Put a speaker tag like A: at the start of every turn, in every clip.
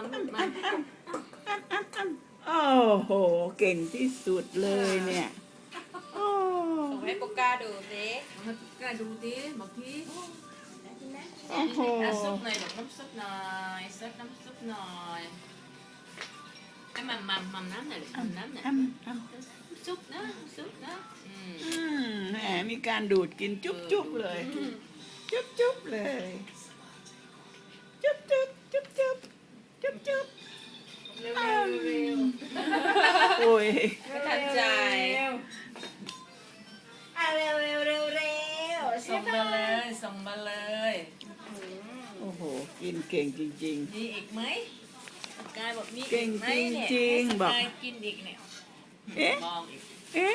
A: มาโอ้โหเก่งที่สุดเลยเนี่ยโอ้
B: ส่งให้โปก้าดูสิ
C: ให้กล้าดูดิบอกที
A: โอ้โห
C: ซุปหน่อยบอกน้ำซุปหน่อยเซิร์ฟน้ำซุปหน่อยไอ้มัมน้ำหน่อยมัมน้ำหน่อยซุปนะซุปนะ
A: แหมมีการดูดกินจุ๊บจุ๊บเลยจุ๊บจุ๊บเลยจุ๊บจุ๊บจุ๊บจุ๊บจุ๊บจุ๊บ
B: เร็ว
A: โอ้ย
B: ไม่ทันใจเร็ว
C: ส่งมาเลยส่งมาเลย
A: โอ้โหกินเก่งจริง
C: มีอีกไหมกายบอกมีอี
A: เก่ง
C: ไหมเนี่ย
A: จริงๆบอก
C: กายกินอีกเนี่ย
A: ๆเอ๊ะ
C: มองอีก
A: เอ๊ะ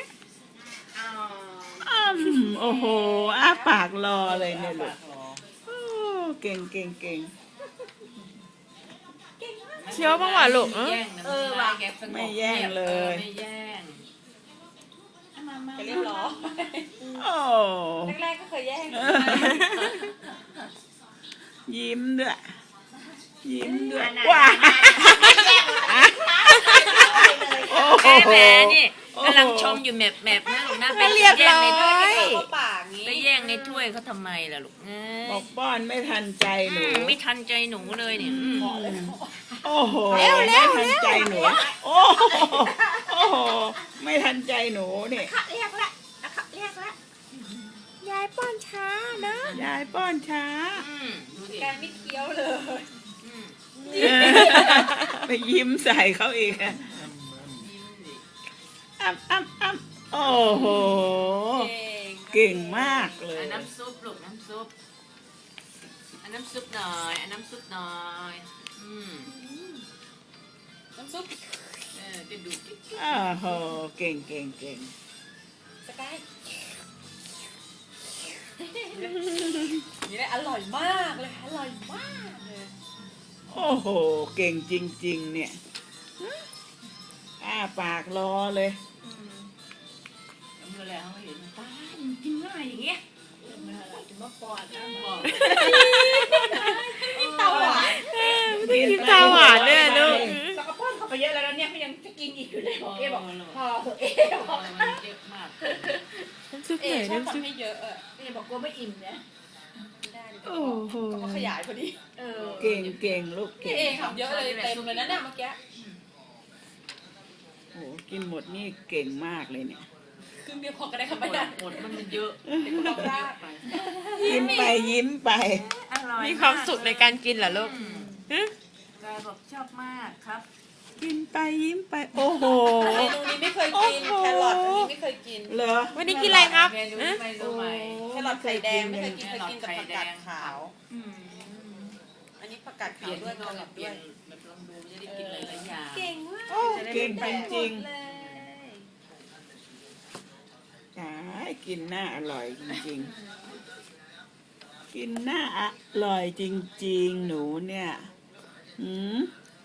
A: โอ้โหอ้าปากรอเลยเนี่ยลูกโอ้เก่งเก่งเก่ง
D: เคี้ยวบ้างว่ะลูก
C: แย่งนะว่ะแกสงบ
A: ไม่แย่งเลย
C: ไม่แย่ง
B: จะเรียบร้อย
A: โอ้
B: แรกๆก็เคยแย่ง
A: ยิ้มด้วยยิ้มด้วย
B: ว้า
A: ว้าโอ้โห
C: แม่นี่กำลังชมอยู่แมบนะลูกนะไป
D: เรียบร้อย
B: เข้าปากงี้
C: ไปแย่งในถ้วยเขาทำไมล่ะลูกเอ้ย
A: บอกป้อนไม่ทันใจหนู
C: ไม่ทันใจหนูเลยเนี่ย
A: โอ้โหไม่ทันใจหนูโอ้โหโอ้โหไม่ทันใจหนูนี่
B: เรียกละเรียกละ
D: ยายป้อนช้านะ
A: ยายป้อนช้า
C: ดูดิ
B: การไม่เคี้ยวเลย
A: ไปยิ้มใส่เขาอีกอะ
C: ยิ้มดิ
A: อ้ำโอ้โห เก่งมากเลย
C: น้ำซุปลูกน้ำซุปน้ำซุปหน่อยน้ำซุปหน่อย
B: น้ำซุป
C: จะดูด
A: โอ้โหเก่งเก่งเก่ง
B: สกายนี่แหละอร่อยมากเลยอร่อยมากเลย
A: โอ้โหเก่งจริงๆเนี่ยอ้าปากรอเลย
C: เมื่อแล้วเห็น
B: ป้ากินง่ายอย่างเงี้ยจะมาปอดนะ
C: บอก
B: เตาหวาน
D: ไม่ได้กินตาหวานเลยอะลูก
B: แล้วก็ป้อนเข้าไปเยอะแล้วเนี่ยเขายังจะกินอีกอยู่เลยเอ๊บอกพอเอ๊บอก
C: มันเยอะมาก
D: น้ำซุป
B: เอ๊
D: ไหน
B: ชอบ
D: น้ำซุป
B: ทำให้เยอะเอ๊บอกกลัวไม่อิ่มเนี่ยได้
A: โอ้โห
B: ก็ขยายพอดี
A: เก่งเก่งลูก
B: พี่
A: เก่ง
B: เองทำเยอะเลยเต็มเลยนะเนี่ยเมื่อกี้
A: โอ้โหกินหมดนี่เก่งมากเลยเนี่ย
B: ครึ่งเดียวพอก็ได้ครับ
C: หม
B: ไม่
C: ด
B: ได้
C: หมดมันเยอะ
A: ยิ้มไปยิ้มไป
C: อร่อย
D: มีความสุขในการกินเหรอลูกฮะ
C: กายบอกชอบมากครับ
A: กินไปยิ้มไปโอ้โห
B: เมนูนี้ไม่เคยกินแครอทอันนี้ไม่เคยกิน
A: เหรอ
D: วันนี้กินอะไรครับ
C: เมนู
D: ฮะ
C: เมนูใหม่
B: แครอทไข่แดงไม่เคยกินเคยกินกับผักกาดขาว อันนี้ผักกาด
C: เป
B: ขาว
C: ลี่ยน
B: ด้วย
C: น
B: แค
C: อน
B: รอท
C: เปลี่
B: ด้
C: ย
B: วน ย
C: แบบลองดูจะได้กินหลายๆอย่าง
B: เก่งมาก
A: โอ้เก่งจริง
B: เลย
A: ๆใช่กินหน้าอร่อยจริงๆ กินหน้าอร่อยจริงๆ หนูเนี่ยหืม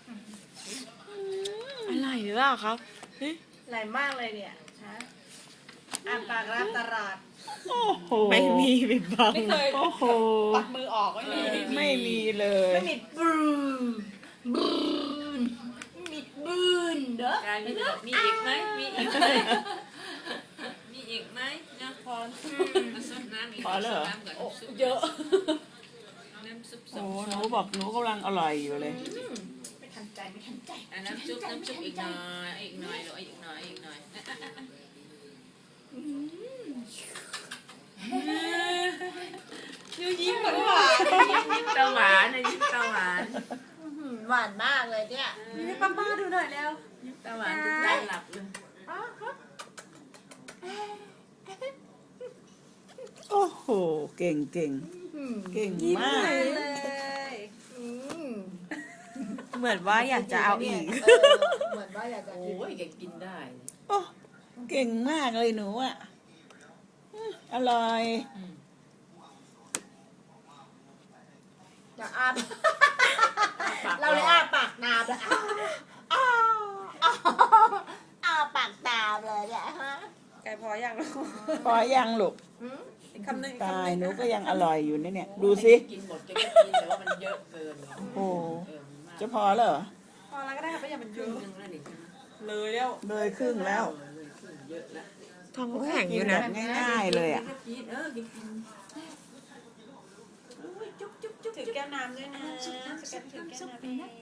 D: อะไรหรือเปล่าครับฮะ
B: หลายมากเลยเนี่ยฮะอ่านปากรับตลาด
A: โอ้โห
D: ไม่มีปิดบัง
B: ไม่เคย
A: โอ้โห
B: ปัดมือออกไม่มี
A: ไม่มีเลย
B: ไม่มีบูนมีบูนเด้อก
C: ายมีแบบมีอีกไหมมีอีกไหมมีอีกไหมนะพอมาซดน้ำอีก
A: พอแล้วเหรอ
C: น้ำก่อน
B: โอ้
C: ซุป
B: เยอะ
C: น้ำซุปส
A: โอ้
C: อง
A: หนูบอกหนูกำลังอร่อยอยู่เลย
B: ไม่ทันใจไม่ทันใจ
C: น้ำซุปอีกหน่อยอีกหน่อยหรืออีกหน่อยอีกหน่อย
B: ยิ้มหวานหวาน
C: ยิ้มตาหวานนะยิ้มตาหวาน
B: หวานมากเลยเนี่ยนี่ให้ป้าดูหน่อยแล้ว
C: ยิ้มตาหวานจนใจหลับเลย
A: โอ้โหเก่งเก่งเก่งมาก
B: เลย
D: เหมือนว่าอยากจะเอาอีก
B: เหมือนว่าอยากจะ
C: โอ้ยแกกินได้
A: โอ้เก่งมากเลยหนูอ่ะอร่อย
B: จะอาเราเลยอ้าปากตามเลยอ้าปากตามเลยเนี่ยฮะไก่พอยังลูก
A: พอยังลูก
B: อีกคำหนึ่ง
A: ตายหนูก็ยังอร่อยอยู่นะเนี่ย ดูสิ
C: กินหมดจะก็กินแต่ว่ามันเยอะเกิน
A: โอ้โหจะพอแล้วเหรอ
B: พอแล้วก็ได้ค่ะเพราะอย่ามัน
C: ค
B: เย
C: รึ่ง
B: อะ
C: หนึงแล้วนี่ใช่ไหม
B: เลยแล้ว
A: เลยครึ่งแล้ว
C: เลยครึ่งเยอะแล้ว
D: ท้องก็แข็งอยู่นะ
A: แบบง่ายๆเลยอ่ะ
C: กินกินจุ๊บจุ๊บจุ๊บ
B: ถือแก้วน้ำด้วยนะสแกนถือแก้วน้ำด้วย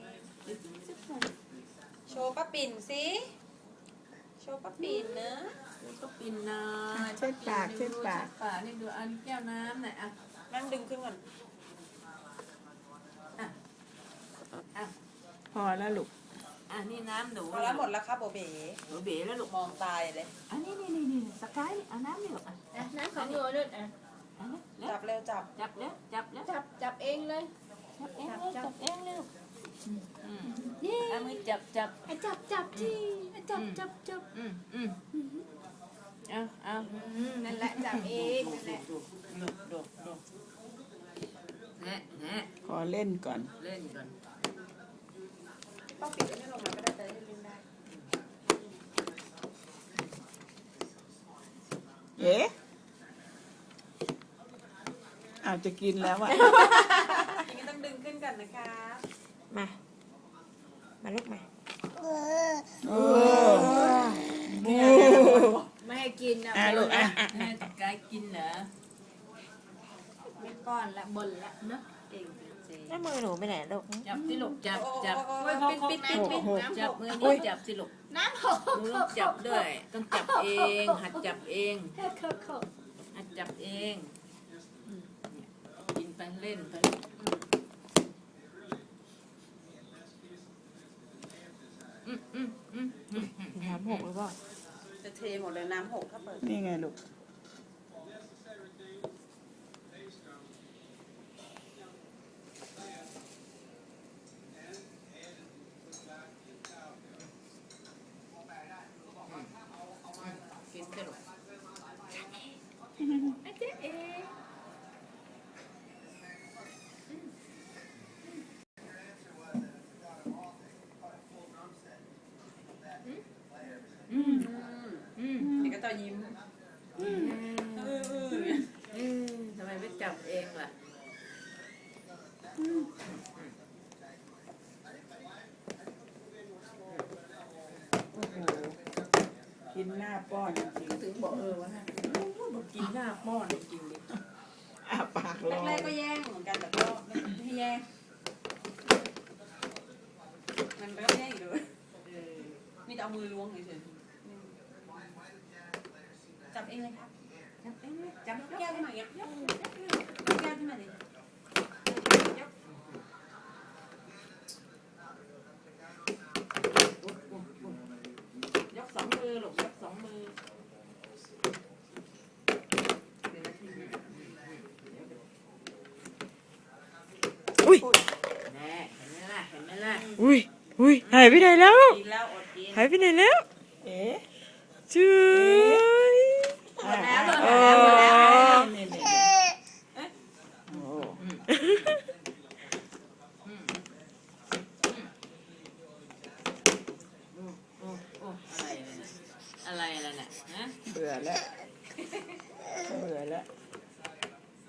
B: โชว์ป้าปิ่นสิโชว์ป้าปิ่นนะ
C: ก็ปินนะ
A: เช็ดปากเช็ดปาก
C: ปากนี่ดูอันแก้วน้ำหน่อยอ่ะ
B: นั่งดึงขึ้นก่อน
C: อ่ะ
A: พอแล้วลูก
C: อ่ะนี่น้ำหนู
B: พอแล้วหมดแล้วครับโบเบ๋
C: หนูเบ๋แล้วลูก
B: มองตายเลย
C: อันนี้นี่สกายเอาน้ำนี่ลูกอ่ะ
E: น้ำของหนูนู่นอ่ะ
C: อันนี้แล้ว
B: จับเร็วจับ
C: จับแล้วจับแล้ว
E: จับเองเลย
C: จับเองเลยจับเองเร็วเอามือจับ
E: จับที่จับ
C: เอา
E: นั่นแหละจับเองนั่นแหละ
C: ดูแนะ
A: ขอเล่นก่อน
C: เล่นก่อน
B: ป้าปิ่นไม่ลงมาก็ได้แต่ได้เล่นได้
A: เอ๊ะอาจจะกินแล้วอ่ะ
B: อย่างนี้ต้องดึงขึ้นก่อนนะคะ
D: มาลูกมา
A: โอ้บู
E: ไม่ให้กินนะ
A: ลูกอ่ะ
C: แม่สกายกินเหรอ
E: ไม่ป้อนละบ่นละเนาะ
C: เองสิ
D: แล้วมือหนูไปไหนลูก
C: จับสิลูกจับ
B: โอ้
C: ปิด
B: ปิดปิด
C: จับมือนี่จับสิลูก
E: น้ำหก
C: หนูต้องจับด้วย ต้องจับเองหัดจับเอง
E: เขา
C: หัดจับเองเนี่ยกินไปเล่นไป
D: น้ำหกหรือเปล่า
B: จะเทหมดเลยน้ำหกถ้าเปิด
A: นี่ไงลูก
C: กินสิลูก
B: เด็กก็ต่อยิ้ม
C: ทำไมไม่จับเองล่ะ
A: โอ้โหกินหน้าป้อนจริง
C: ถึงบอกว่าบอกกินหน้าป้อนจริงดิ
A: ๆอ้าปากรอ
B: แรกๆก็แย่งเหมือนกันแต่ก็ไม่ให้แย่งมันก็แย่งอีกเลยมีแต่เอามือล้วงเฉยๆจับเองเลยครับ
C: จับเองเลย
B: จับยกแก้วขึ้นมาอย่างเงี้ยยกแก้วขึ้นมาดิยก
C: ยกสองมือลูกยกสองมือเดี๋ยวนาทีนึง
D: อุ้ย
C: แน่เห็นไหมล่ะเห็นไหมล่ะ
D: อุ้ยหายไปไหนแล้ว
B: กินแล้วอดกิน
D: หายไปไหนแล้ว
A: เอ๊ะ
D: จุ๊ย
B: หมดแล้วหมด
D: โอ้
B: แล้วหมดแล้ว